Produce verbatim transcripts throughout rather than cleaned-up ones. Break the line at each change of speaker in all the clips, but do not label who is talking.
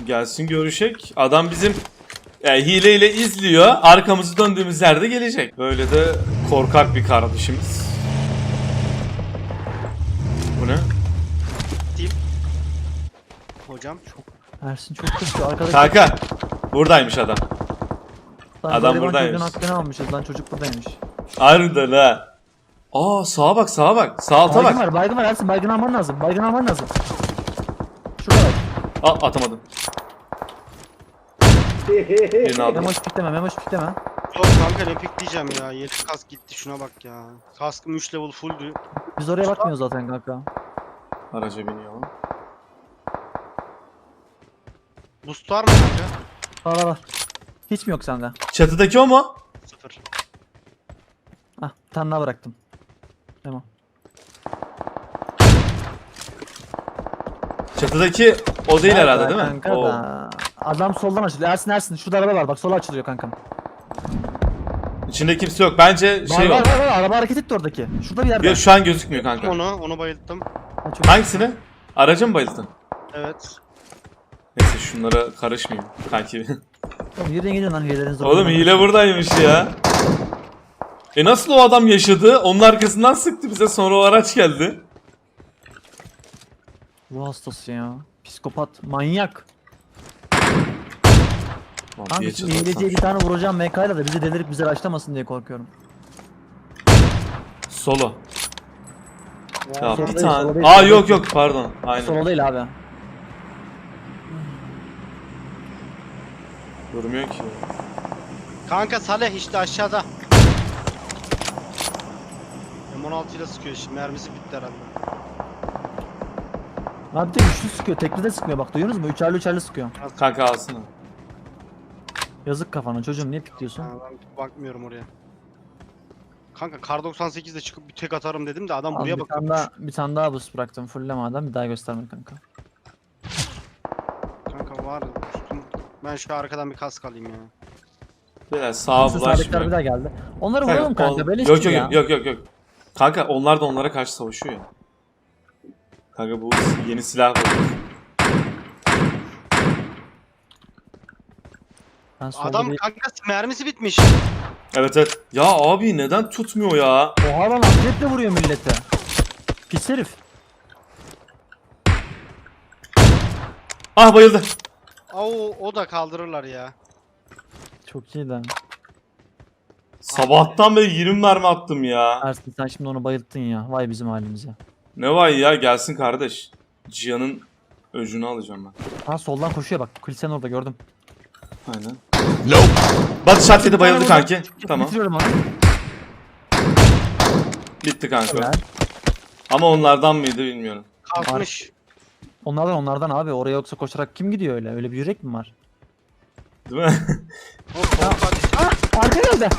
Gelsin görüşek. Adam bizim yani hileyle izliyor. Arkamızı döndüğümüz yerde gelecek. Böyle de korkak bir kardeşimiz. Bu ne?
Diyeyim. Hocam.
Ersin çok kötü. Arkadaş.
Kanka. Buradaymış adam.
Lan
adam
gariban
buradaymış.
çocuğun hakkını almışız lan, çocuk buradaymış.
Harbiden ha. Aa sağa bak sağa bak. Sağ alta
Baygın
bak.
var, baygın var Ersin, baygın alman lazım. Baygın alman lazım. Şurada bak.
Aa atamadım. Birini aldım.
Memoş pikleme, memoş pikleme.
Yok kanka ne pikleyeceğim ya. Yedi kask gitti şuna bak ya. Kaskım üç level fulldü.
Biz oraya bakmıyoruz zaten kanka.
Araca biniyor.
Boost var mı kanka?
Var var var. Hiç mi yok sende?
Çatıdaki o mu?
Sıfır.
Hah, bir tane daha bıraktım. Tamam.
Çatıdaki o değil
Evet,
herhalde değil mi?
Kanka
O.
da. Adam soldan açılıyor. Ersin Ersin şurada araba var bak, sola açılıyor kankam.
İçinde kimse yok. Bence
Var
şey
var
o.
var, var araba hareket etti oradaki. Şurada bir yerde.
Yok şu an gözükmüyor kanka.
Onu, onu bayılttım.
Ha, çok-
Hangisini? Aracı mı bayıldın?
Evet.
Neyse şunlara karışmayayım kanki.
Oğlum yürüyün gidin lan hilelerinizi.
Oğlum hile buradaymış ya. E nasıl o adam yaşadı? Onun arkasından sıktı bize, sonra o araç geldi.
Bu hastası ya. Psikopat, manyak.
Lan
Kanka
bir
şimdi
çatı
hileciye bir
atsam.
tane vuracağım M K ile de bizi delirip bizi raşlamasın diye korkuyorum.
Solo. Ya
Solo
bir
değil,
tane.
solo değil,
Aa
solo
yok
değil.
yok pardon. Aynen.
Solo değil abi.
Durmuyor ki.
Kanka Saleh işte aşağıda. M on altı ile sıkıyor şimdi. Mermisi bitti herhalde.
Abi de üçlü sıkıyor, tekli de sıkmıyor bak, duyuyorsunuz mu? Üçerli üçerli sıkıyor.
Kanka alsana.
Yazık kafana çocuğum, niye pikliyorsun?
Ha, ben bakmıyorum oraya. Kanka kar doksan sekizde çıkıp bir tek atarım dedim de adam
Al,
buraya
bir tane
bakıyor.
daha, bir tane daha boost bıraktım, fullleme adam, bir daha gösterme kanka.
Kanka var boostum. Ben şu arkadan bir kask alayım ya.
Biraz sağa
Neyse, sağdakiler bir
bulaşmıyor.
daha geldi. Onları
Kanka,
vuralım kanka,
ol-
böyle
yok,
ya.
yok yok yok yok. Kanka onlar da onlara karşı savaşıyor ya. Kanka bu yeni silah var.
Ben solda
Adam
bir...
kanka mermisi bitmiş.
Evet evet. Ya abi neden tutmuyor ya?
Oha lan, atletle vuruyor millete. Pis herif.
Ah bayıldı.
Oo, o da kaldırırlar ya.
Çok iyi lan.
Sabahtan beri yirmi mermi attım ya.
Ersin sen şimdi onu bayılttın ya. Vay bizim halimize.
Ne var ya, gelsin kardeş. Cihan'ın öcünü alacağım ben.
Ha soldan koşuyor bak. Kilisenin orada gördüm.
Aynen. Nope. Batı şart yedi, bayıldı
Tamam,
kanki. Tamam.
Bitiriyorum onu.
Bitti kanka.
Helal.
Ama onlardan mıydı bilmiyorum.
Kalkmış.
Onlardan onlardan abi. Oraya yoksa koşarak kim gidiyor öyle? Öyle bir yürek mi var?
Değil mi?
Hop, hop, hadi.
Ah! Arka geldi.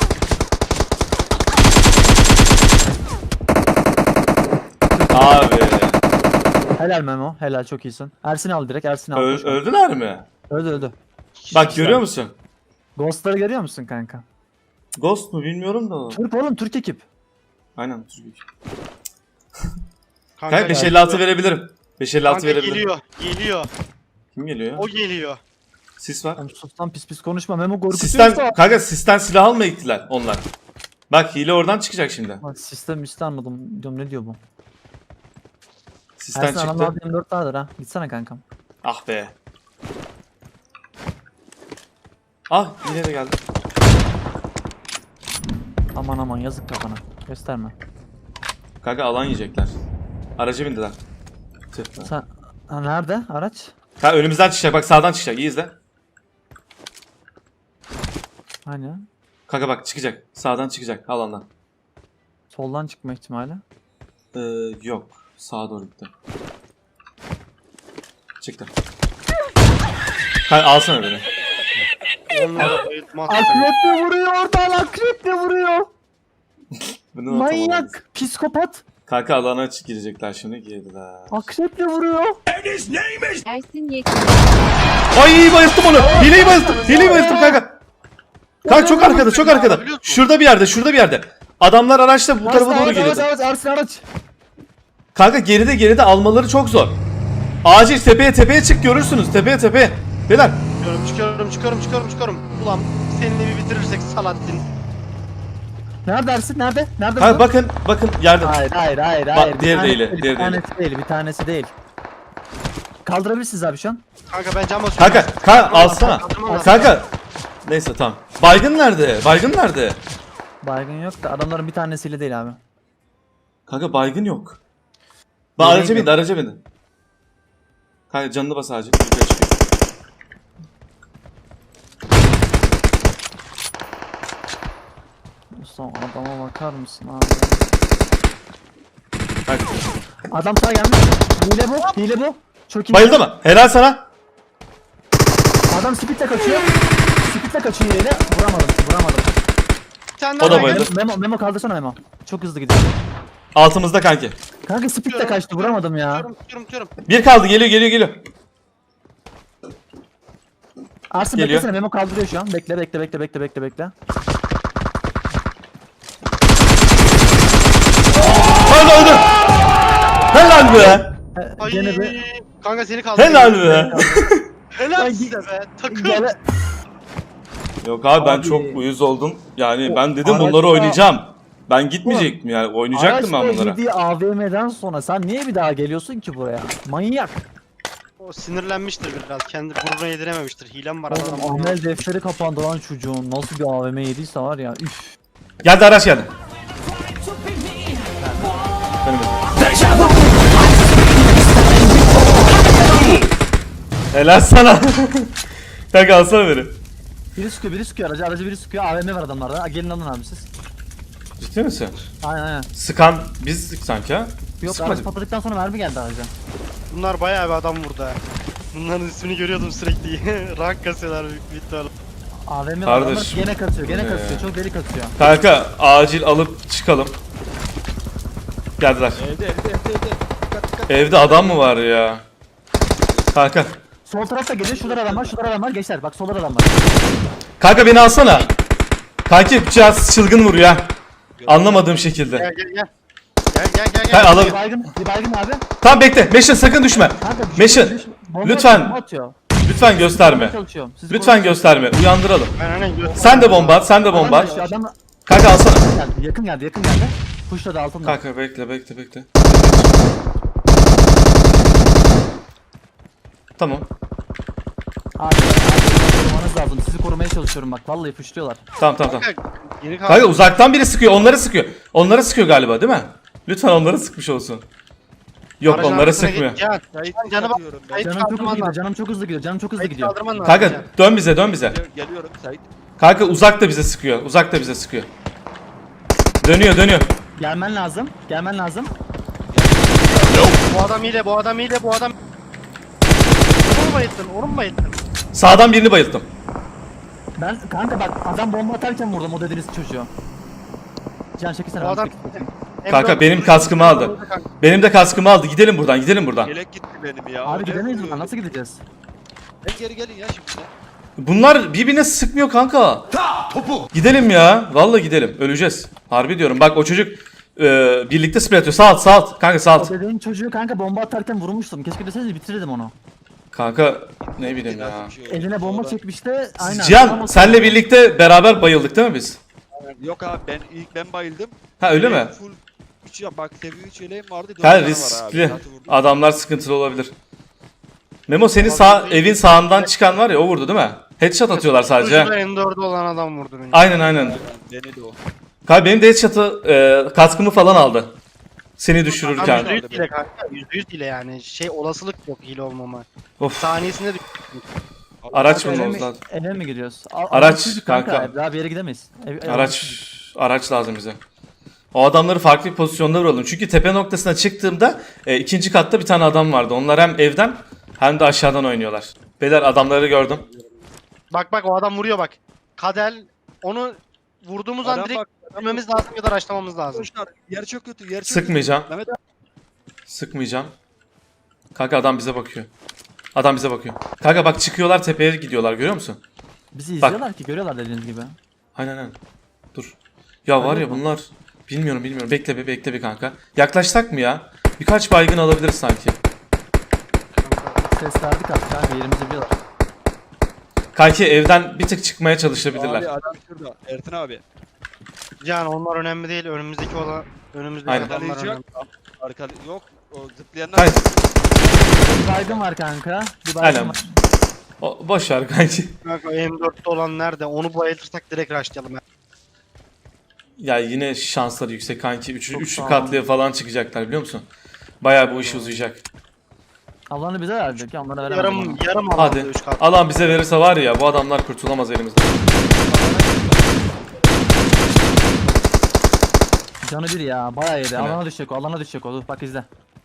Abi.
Helal Memo. Helal, çok iyisin. Ersin al direkt. Ersin al.
Öl-
koş.
öldüler mi?
Öldü öldü.
Bak görüyor musun?
Ghost'ları görüyor musun kanka?
Ghost mu bilmiyorum da.
Türk oğlum, Türk ekip.
Aynen Türk.
Kanka,
Kanka beş elli altı verebilirim. beş elli altı
kanka
verebilirim.
geliyor. Geliyor.
Kim geliyor ya?
O geliyor.
Sis var.
Oğlum sus lan, pis pis konuşma. Memo korkutuyorsa.
Sisten, kanka sisten silah almaya gittiler onlar. Bak hile oradan çıkacak şimdi.
Bak sistem istemedim. Diyorum ne diyor bu?
Sisten
Ersin
çıktı.
adamlar yirmi dört vardır ha. Gitsene kankam.
Ah be. Ah yine de geldi.
Aman aman, yazık kafana. Gösterme.
Kanka alan yiyecekler. Araca bindiler. Tüh be.
Sen ha, nerede araç?
Ha önümüzden çıkacak, bak sağdan çıkacak, iyi izle.
Hani?
Kanka bak çıkacak, sağdan çıkacak alandan.
Soldan çıkma ihtimali.
Ee, yok, sağa doğru gitti. Çıktı. Kanka alsana beni.
Onlara bayıltmaz.
Akreple vuruyor oradan, akreple vuruyor.
Bunu unutamadım.
Manyak, psikopat.
Kanka alana açık girecekler şimdi, girdiler.
Akreple vuruyor.
Ersin Yekin.
Ay bayılttım onu. Hileyi bayılttım. Hileyi bayılttım kanka. Kanka çok arkada, çok arkada. Şurada bir yerde, şurada bir yerde. Adamlar araçla bu tarafa doğru
Araç,
geliyordu.
araç, Ersin araç.
Kanka geride geride almaları çok zor. Acil tepeye tepeye çık, görürsünüz. Tepeye tepeye. Beyler.
Çıkıyorum çıkıyorum çıkıyorum çıkıyorum çıkıyorum. Ulan seninle bir bitirirsek Salahattin.
Nerede Ersin? Nerede? Nerede?
Ha
bu?
bakın bakın yerde.
Hayır hayır hayır
Bak,
hayır. Bir
diğeri
tanesi
değil,
Bir
diğeri değil.
tanesi değil. Bir tanesi değil. Kaldırabilirsiniz abi şu an.
Kanka ben cam basıyorum.
Kanka kanka alsana.
Kaldırmam lazım.
Kanka. Neyse tamam. Baygın nerede? Baygın nerede?
Baygın yok da adamların bir tanesiyle değil abi.
Kanka baygın yok. Bak
Nereye
araca bindi,
gidiyor?
araca bindi. Kanka canını bas ağacı. Yukarı çıkıyor.
Son adama bakar mısın abi?
Kanka.
Adam sağa gelmiş. Hile bu. Hile bu. Çok iyi.
Bayıldı mı? Helal sana.
Adam speedle kaçıyor. Speedle kaçıyor hileyle. Vuramadım. Vuramadım.
Bir tane
O
daha
da
var.
bayıldı.
Memo, Memo kaldırsana Memo. Çok hızlı gidiyor.
Altımızda kanki.
Kanka speedle kaçtı. Vuramadım ya.
Tutuyorum tutuyorum tutuyorum.
Bir kaldı, geliyor geliyor geliyor.
Arsın
Geliyor.
beklesene. Memo kaldırıyor şu an. Bekle bekle bekle bekle bekle bekle.
Öldü öldü. Helal be.
He,
Ay
Gene bir
kanka seni kaldı.
Helal be.
Helal
Ay,
size be. Takım.
gele.
Yok abi ben
Abi.
çok uyuz oldum. Yani
O
ben dedim
araçta-
bunları oynayacağım. Ben gitmeyecektim yani. Oynayacaktım ben
Araçla
bunlara.
yediği A V M'den sonra sen niye bir daha geliyorsun ki buraya? Manyak.
O sinirlenmiştir biraz. Kendi gururuna yedirememiştir. Hilem var adam.
Oğlum amel defteri kapandı lan çocuğun. Nasıl bir A V M yediyse var ya. Üf.
Geldi araç geldi. Benim. Helal sana. Kanka alsana beni.
Biri sıkıyor, biri sıkıyor aracı, aracı biri sıkıyor. A V M var adamlarda. Ha, gelin alın abi siz.
Ciddi misin?
Aynen aynen.
Sıkan biz sık sanki ha.
Yok
Sıkmadık.
araç patladıktan sonra mermi geldi araca.
Bunlar bayağı bir adam vurdu ha. Bunların ismini görüyordum sürekli. Rank kasıyorlar büyük bir ihtimalle.
A V M var adamlar
Kardeşim.
gene kasıyor, gene
Ee.
kasıyor. Çok deli kasıyor.
Kanka acil alıp çıkalım. Geldiler.
Evde evde evde evde. Dikkat dikkat.
Evde adam mı var ya? Kanka.
Sol tarafta geliyor, şurada adam var, şurada adam var. Gençler bak solda adam var.
Kanka beni alsana. Kanki biraz çılgın vuruyor ha. Anlamadığım şekilde.
Gel gel gel. Gel gel gel gel.
Hayır, alalım.
Bir baygın, bir baygın abi.
Tamam bekle. Meşin sakın düşme.
Kanka düşüyor,
Meşin.
düşüyor. Bomba
lütfen.
atıyor, bomba atıyor.
Lütfen gösterme.
Korumaya çalışıyorum. Sizi
Lütfen
korumaya
gösterme. Uyandıralım.
Ben hani gö-
Sen de bomba at. Sen de bomba
çalışıyorum.
at.
Adam, adam
Kanka alsana.
geldi, yakın geldi, yakın geldi. Pushladı altında.
Kanka bekle bekle bekle. Tamam.
Abi, abi korumanız lazım. Sizi korumaya çalışıyorum bak. Vallahi pushluyorlar.
Tamam tamam tamam.
Kanka, Yeni kaldı.
Kanka uzaktan biri sıkıyor. Onları sıkıyor. Onları sıkıyor galiba değil mi? Lütfen onları sıkmış olsun. Yok
Aracın
onları
arkasına
sıkmıyor.
git, Can.
Sait
Can, canı bak.
atıyorum ben.
Sait
Canım çok hızlı
kaldırman
gidiyor,
lazım.
canım çok hızlı gidiyor, canım çok hızlı
Sait
gidiyor.
kaldırman lazım.
Kanka
Can.
dön bize dön bize.
Gel- Geliyorum Sait.
Kanka uzak da bize sıkıyor. Uzak da bize sıkıyor. Dönüyor dönüyor.
Gelmen lazım, gelmen lazım.
Bu adam ile bu adam ile bu adam. Onu mu bayıttın? Onu mu bayıttın?
Sağdan birini bayılttım.
Ben kanka bak adam bomba atarken vurdum o dediğiniz çocuğu. Can çekilsene.
Bu
ben
adam.
çekeyim.
Kanka benim kaskımı aldı. Benim de kaskımı aldı. Gidelim buradan gidelim buradan.
Yelek gitti benim ya.
Abi
Ne
gidemeyiz
vuruyor?
buradan nasıl gideceğiz?
Gel geri gelin ya şimdi.
Bunlar birbirine sıkmıyor kanka. Gidelim ya. Vallahi gidelim. Öleceğiz. Harbi diyorum. Bak o çocuk e, birlikte spray atıyor. Sağ alt sağ alt. Kanka sağ alt.
O dediğin çocuğu kanka bomba atarken vurmuştum. Keşke deseniz bitirirdim onu.
Kanka ne bileyim ya.
Nasıl bir şey oldu?
Eline bomba
Sonra-
çekmişti. Aynen.
Cihan
Ama-
senle birlikte beraber bayıldık değil mi biz?
Yok abi ben ilk ben bayıldım.
Ha öyle mi?
Benim Full üç ya bak seviye üç yeleğim vardı. dört
Ha
tane var
riskli.
abi, zaten vurdum.
Adamlar sıkıntılı olabilir. Memo senin sağ evin sağından çıkan var ya o vurdu değil mi? Headshot atıyorlar sadece.
Ucunda N dört'ü olan adam vurdu beni.
Aynen aynen.
Beni de o.
Kanka benim de headshot'ı e, kaskımı falan aldı. Seni
Adam
düşürürken.
yüzde yüz hile kanka. yüzde yüz hile yani. Şey olasılık yok hile olmama.
Of.
Saniyesinde düş-
Araç
Kanka, eve
bulmamız
mi-
lazım.
Eve mi gidiyoruz? A-
Araç,
çocuk
kanka.
Daha bir yere gidemeyiz. Ev- ev-
Araç araç lazım bize. O adamları farklı bir pozisyonda vuralım. Çünkü tepe noktasına çıktığımda e, ikinci katta bir tane adam vardı. Onlar hem evden hem de aşağıdan oynuyorlar. Beyler adamları gördüm.
Bak bak o adam vuruyor bak. Kadel onu vurduğumuz an
Adam
direkt
bak, adam
ölmemiz lazım ya da raşlamamız lazım.
Arkadaşlar yer çok kötü yer çok
Sıkmayacağım.
kötü. Mehmet abi
Sıkmayacağım. Kanka adam bize bakıyor. Adam bize bakıyor. Kanka bak çıkıyorlar tepeye gidiyorlar görüyor musun?
Bizi
Bak.
izliyorlar ki görüyorlar dediğiniz gibi.
Aynen aynen. Dur. Ya var ya
bakalım.
bunlar bilmiyorum bilmiyorum. Bekle bir bekle bir kanka. Yaklaşsak mı ya? Birkaç baygın alabiliriz sanki.
Ses verdik artık kanka yerimizi biliyorlar.
Kanki evden bir tık çıkmaya çalışabilirler.
Abi adam şurada. Ertin abi.
Can onlar önemli değil. Önümüzdeki olan önümüzdeki
Aynen.
adamlar
Arkalayıcı
önemli.
yok. Arkada yok. O zıplayanlar.
Kanki,
Bir baygın var kanka. Bir baygın
aynen.
var.
O, boş ver kanki.
Kanka M dörtte olan nerede? Onu bayıltırsak direkt rushlayalım ya.
Ya yine şansları yüksek kanki. Üç,
Çok
üçlü
sağ ol.
katlıya falan çıkacaklar biliyor musun? Bayağı bu iş uzayacak.
Alanı bize verecek ya onlara veremedim.
Yarım
onu.
yarım alanda
Hadi.
üç kat.
Alan bize verirse var ya bu adamlar kurtulamaz elimizden.
Canı bir ya bayağı yedi.
Evet.
Alana düşecek o alana düşecek o. Dur bak izle.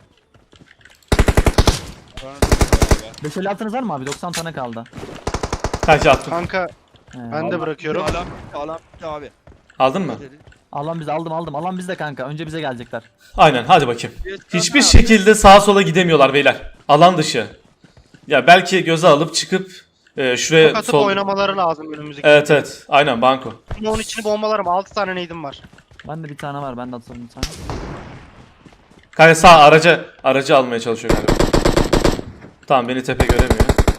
beş elli altınız var mı abi? doksan tane kaldı.
Kanki attım.
Kanka
He.
ben de bırakıyorum.
Alan bitti, alan bitti abi.
Aldın mı?
Alan bize aldım aldım. Alan bizde kanka. Önce bize gelecekler.
Aynen hadi bakayım.
Yes,
Hiçbir
abi.
şekilde sağa sola gidemiyorlar beyler. Alan dışı. Ya belki göze alıp çıkıp e, şuraya
Atıp
sol...
oynamaları lazım önümüzdeki.
Evet evet. Aynen banko.
Ama onun içini bombalarım. altı tane neydim var.
Ben de bir tane var. Ben de atalım bir tane.
Kanka sağ araca aracı almaya çalışıyor galiba. Tamam beni tepe göremiyor.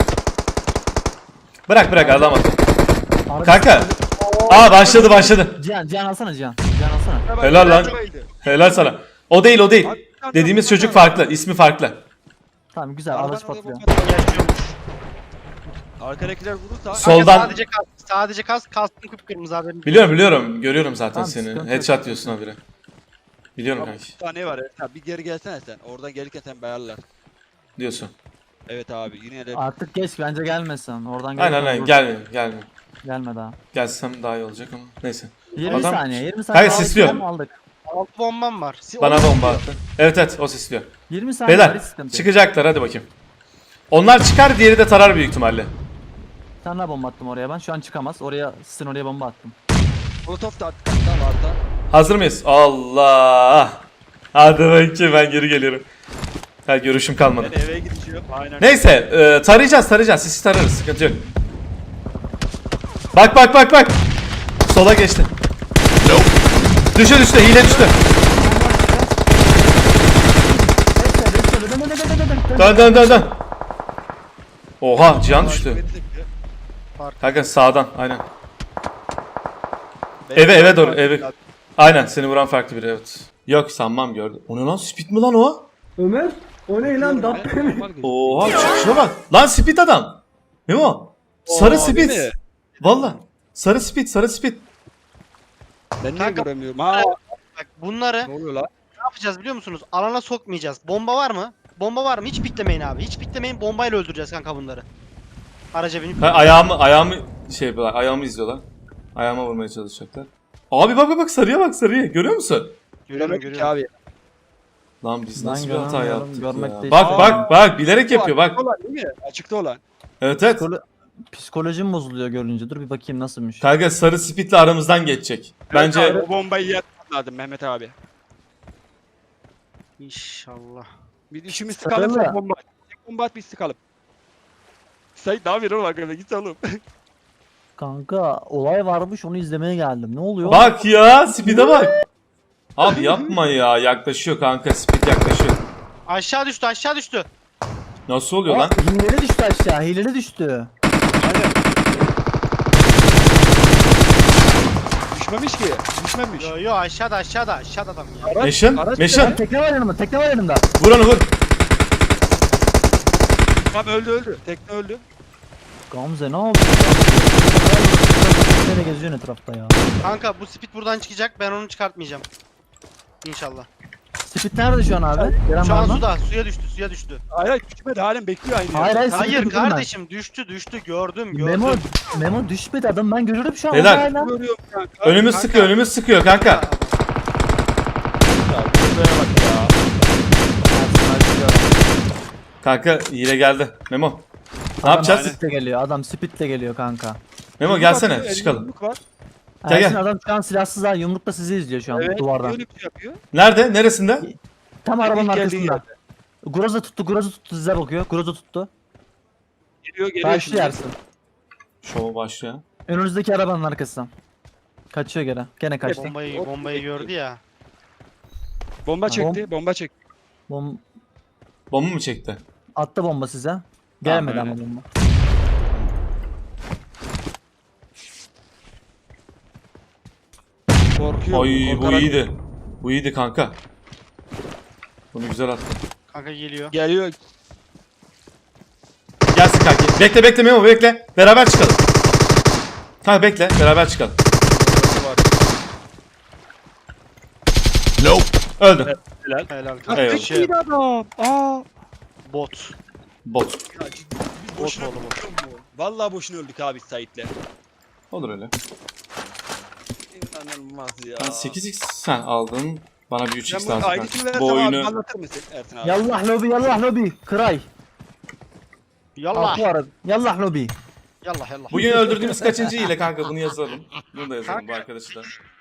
Bırak bırak alamadı.
Arada-
Kanka. Aa başladı başladı.
Cihan Cihan alsana Cihan. Cihan alsana.
Helal lan.
Bayıldı.
Helal sana. O değil o değil.
Abi, bir tane
Dediğimiz
daha,
çocuk
bir tane
farklı. İsmi farklı.
Tamam güzel.
daha.
Araç
Aradan oraya
patlıyor.
bomba atıyor.
Yaşıyormuş.
Arkadakiler vurursa.
Sol- Soldan-
Kanka sadece kas. Sadece kas. Kastım kıpkırmızı haberin.
Biliyorum biliyorum. Görüyorum zaten
Tamam,
seni.
sıkıntı
Headshot
yok.
diyorsun habire. Biliyorum
Yok,
kanki.
bir tane var Ertin abi. Bir geri gelsene sen. Oradan gelirken sen bayarlar.
Diyorsun.
Evet abi yine de.
Artık geç bence gelmesin. Oradan
Aynen
gelirken
aynen
vurur.
gelme gelme.
Gelme daha.
Gelsem daha iyi olacak ama neyse.
yirmi
Adam-
saniye. yirmi saniye.
Hayır,
aldık,
sisliyor.
hem Aldık.
Altı bombam var. Si-
Bana
onu
bomba
istiyor.
attı. Evet evet o sisliyor.
yirmi saniye var,
Beyler
hiç sıkıntı yok.
çıkacaklar hadi bakayım. Onlar çıkar diğeri de tarar büyük ihtimalle.
Bir tane daha bomba attım oraya ben. Şu an çıkamaz. Oraya sizin oraya bomba attım.
Molotov da attık hatta vardı.
Hazır mıyız? Allah. Hadi bakayım ben geri geliyorum. Ha görüşüm kalmadı.
Ben eve gidiyorum. Aynen.
Neyse e, tarayacağız tarayacağız. Sisi tararız sıkıntı yok. Bak bak bak bak. Sola geçti. Düştü düştü hile düştü. Dön dön dön dön. Oha Cihan düştü. Kanka sağdan aynen. Eve eve doğru eve. Aynen seni vuran farklı biri evet. Yok sanmam gördüm. O ne lan speed mi lan o?
Ömer, o ne lan Dabbe mi?
Oha çıkışına bak. Lan speed adam. Ne o? Sarı
Oo,
speed.
değil mi?
Valla. Sarı speed sarı speed.
Ben niye
Kanka-
göremiyorum? Ha
Bak bunları
ne oluyor lan?
ne yapacağız biliyor musunuz? Alana sokmayacağız. Bomba var mı? Bomba var mı? Hiç piklemeyin abi. Hiç piklemeyin. Bombayla öldüreceğiz kanka bunları. Araca binip.
Ha, ayağımı ayağımı şey yapıyorlar. Ayağımı izliyorlar. Ayağıma vurmaya çalışacaklar. Abi bak bak bak sarıya bak sarıya. Görüyor musun?
Görüyorum
Göremedik
görüyorum.
abi.
Lan biz
Ben
nasıl bir hata
göremiyorum,
yaptık
görmek
ya.
değil.
Bak
Aa.
bak bak bilerek yapıyor bak.
Açıkta olan değil mi? Açıkta olan.
Evet evet.
Psikolo- Psikolojim bozuluyor görünce. Dur bir bakayım nasılmış.
Kanka sarı speedle aramızdan geçecek. Bence
Evet abi, o bombayı yapmam lazım Mehmet abi.
İnşallah.
Bir işimiz
Sarı
sıkalım
mı?
sen bomba at. Tek bomba at biz sıkalım. Sait ne yapıyorsun oğlum arkadaşlar git oğlum.
Kanka olay varmış onu izlemeye geldim. Ne oluyor?
bak ya speed'e bak. Abi yapma ya yaklaşıyor kanka speed yaklaşıyor.
Aşağı düştü aşağı düştü.
Nasıl oluyor
Aa,
lan?
hileli düştü aşağı. Hileli düştü.
Aynen. Düşmemiş ki. Düşmemiş.
Yo yo aşağıda aşağıda aşağıda adam ya.
Meşin
araç-
Meşin
Tekne var yanımda. Tekne var yanımda.
vur onu vur.
Tamam öldü öldü. Tekne öldü.
Gamze ne oldu? Nereye geziyorsun etrafta ya?
Kanka bu speed buradan çıkacak. Ben onu çıkartmayacağım. İnşallah.
Speed nerede şu an abi? Gören
Şu
var
an
mı?
suda suya düştü suya düştü.
Hayır hayır düşmedi halen bekliyor aynı
Hayır,
yerde.
hayır,
Hayır
Sıkıntı yok,
kardeşim düştü düştü gördüm gördüm.
Memo, Memo düşmedi adam ben görüyorum şu an.
Beyler.
orada hala.
Görüyorum kanka.
Önümüz
kanka.
sıkıyor önümüz sıkıyor kanka.
Ya, şuraya bak ya.
Kanka hile geldi. Memo. Ne yapacağız?
Speed'le geliyor adam speed'le geliyor kanka.
Memo
Yumruk
gelsene
atıyor,
çıkalım.
yumruk var.
Gel,
Ersin
gel.
adam şu an silahsız ha yumrukla sizi izliyor şu an
Evet
duvardan.
öyle bir şey yapıyor.
Nerede? Neresinde?
Tam
İlk
arabanın
geldiği
arkasında. Groza tuttu Groza tuttu size bakıyor. Groza tuttu.
Geliyor geliyor şimdi.
Başlıyor Ersin.
Şov başlıyor.
Önünüzdeki arabanın arkasından. Kaçıyor gene. Gene kaçtı.
Bombayı bombayı gördü ya.
Bomba çekti bomba çekti.
Bom
Bomba mı çekti?
attı bomba size. Gelmedi
Tamam,
ama bomba.
Korkuyor.
Ay bu
korkarak-
iyiydi. Bu iyiydi kanka. Bunu güzel attın.
Kanka geliyor.
Geliyor.
Gelsin kanki. Bekle bekle Memo bekle. Beraber çıkalım. Kanka bekle beraber çıkalım. Öldü.
Helal.
Helal
Ha,
kanka.
Eyvallah.
Şey,
tek adam. Aa.
bot.
Bot.
Ya ciddi, biz
Bot
boşuna
oldu bu.
öldük mu? Vallahi boşuna öldük abi Sait'le.
Olur öyle.
İnanılmaz ya.
Ben sekiz x sen aldın. Bana bir üç
Sen
x
bu
lazım
aidiyetini
kanka.
versem
Bu
abi
oyunu
anlatır mısın Ersin abi?
Yallah lobi yallah lobi. Kray.
Yallah.
Altı arada. Yallah lobi.
Yallah yallah.
bugün öldürdüğümüz kaçıncı ile kanka bunu yazalım. Bunu da yazalım bu arkadaşı da.